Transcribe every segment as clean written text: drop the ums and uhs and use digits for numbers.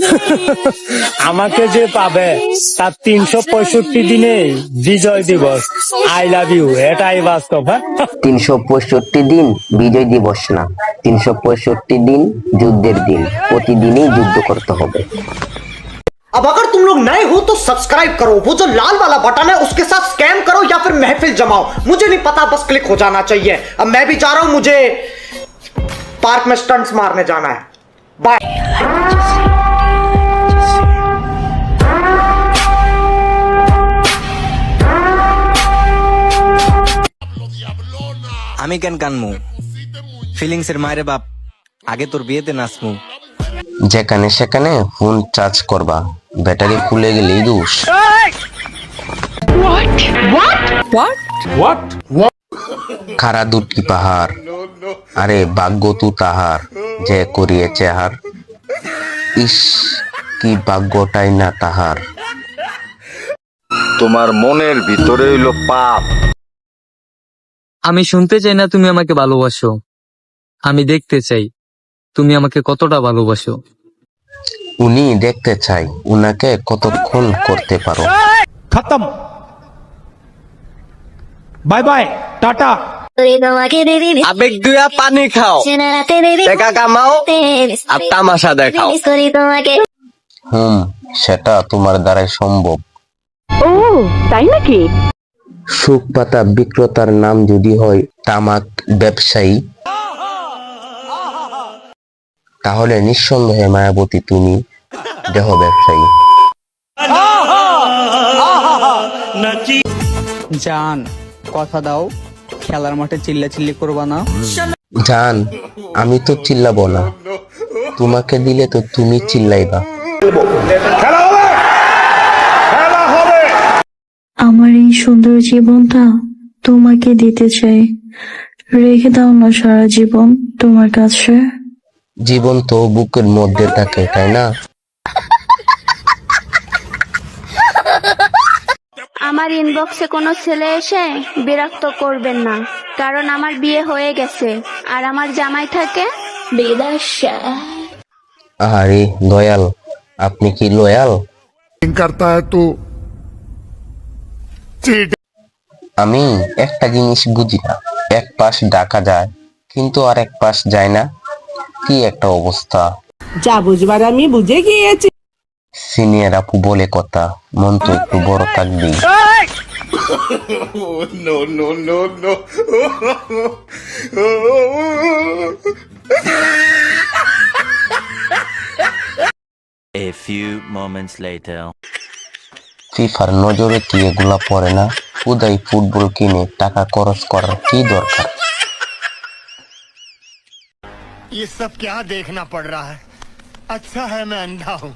আমাকে যে পাবে তার 365 দিনে বিজয় দিবস। আই লাভ ইউ, এটাই বাস্তব। হ্যাঁ, 365 দিন বিজয় দিবস না, 365 দিন যুদ্ধের দিন। প্রতিদিনই যুদ্ধ করতে হবে। अब अगर तुम लोग नए हो तो सब्सक्राइब करो, वो जो लाल वाला बटन है उसके साथ स्कैम करो या फिर महफिल जमाओ, मुझे नहीं पता, बस क्लिक हो जाना चाहिए। अब मैं भी जा रहा हूं, मुझे पार्क में स्टंट्स मारने जाना है। बाय। আমি কেন কানমু? ফিলিংস এর মায়ের বাপ, আগে তোর বিয়েতে নাচমু। যেখানে সেখানে ফোন চার্জ করবা, ব্যাটারি ফুলে গেলেই দোষ। খারা দুটি পাহাড়, আরে ভাগ্য তু তাহার যে করিয়েছে হার। ইস, কি ভাগ্যটাই না তাহার। তোমার মনের ভিতরে হইলো পাপ। আমি শুনতে চাই না তুমি আমাকে ভালোবাসো, আমি দেখতে চাই তুমি আমাকে কতটা ভালোবাসো। উনি দেখতে চাই উনাকে কতক্ষণ করতে পারো। খতম, বাই বাই, টাটা। আবেগ দুয়া পানি খাও, টাকা কামাও আর তামাশা দেখাও। সেটা তোমার দ্বারাই সম্ভব। ও তাই নাকি? সুখ পাতা বিক্রেতার নাম যদি হয় তামাক ব্যবসায়ী, তাহলে নিঃসন্দেহে মায়াবতী তুমি দেহ ব্যবসায়ী। জান, কথা দাও খেলার মাঠে চিল্লাচিল্লি করবা না। জান, আমি তো চিল্লাবো না, তোমাকে দিলে তো তুমি চিল্লাইবা। আমার এই সুন্দর জীবনটা তোমাকে দিতে চাই, রেখে দাও না সারা জীবন তোমার কাছে। জীবন তো বুকের মধ্যে থাকে, তাই না? আমার ইনবক্সে কোনো ছেলে এসে বিরক্ত করবেন না, কারণ আমার বিয়ে হয়ে গেছে আর আমার জামাই থাকে বিদেশে। আরে দয়াল, আপনি কি লয়াল? আমি একটা জিনিস বুঝি না, এক পাশ ডাকা যায় কিন্তু আর এক পাশ যায় না, কি একটা অবস্থা। যা বুঝবার আমি বুঝে গিয়েছি। সিনিয়র আপু বলে কথা, মন তো একটু বড় থাকবেই। A few moments later. ফিফার নজরে কি এগুলা পড়ে না? উদয় ফুটবল কিনে টাকা খরচ করার কি দরকার? ये सब क्या देखना पड़ रहा है? अच्छा है मैं अंधा हूँ।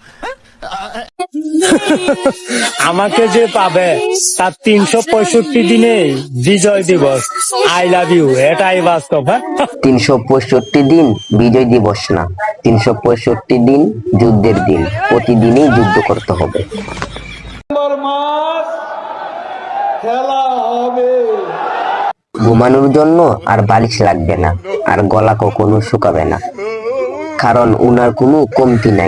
আমাকে যে পাবে তার 365 দিনে বিজয় দিবস। আই লাভ ইউ, এটাই বাস্তব। হ্যাঁ, 365 দিন বিজয় দিবস না, 365 দিন যুদ্ধের দিন। প্রতিদিনই যুদ্ধ করতে হবে। ঘুমানোর জন্য আর বালিশ লাগবে না, আর গলা কখনো শুকাবে না, কারণ উনার কোনো কমতি নাই।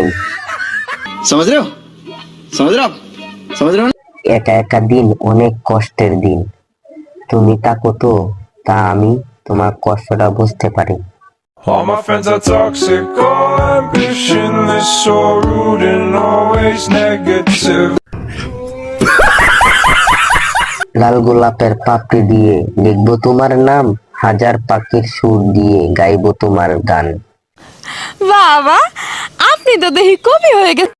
একা একা দিন অনেক কষ্টের দিন, তুমি থাকো তো, তা আমি তোমার কষ্টটা বুঝতে পারি। All my friends are toxic, all ambitionless, so rude and always negative. লাল গোলাপের পাপড়ি দিয়ে লিখবো তোমার নাম, হাজার পাখির সুর দিয়ে গাইবো তোমার গান। বাবা, আপনি তো দেখি কবি হয়ে গেছে।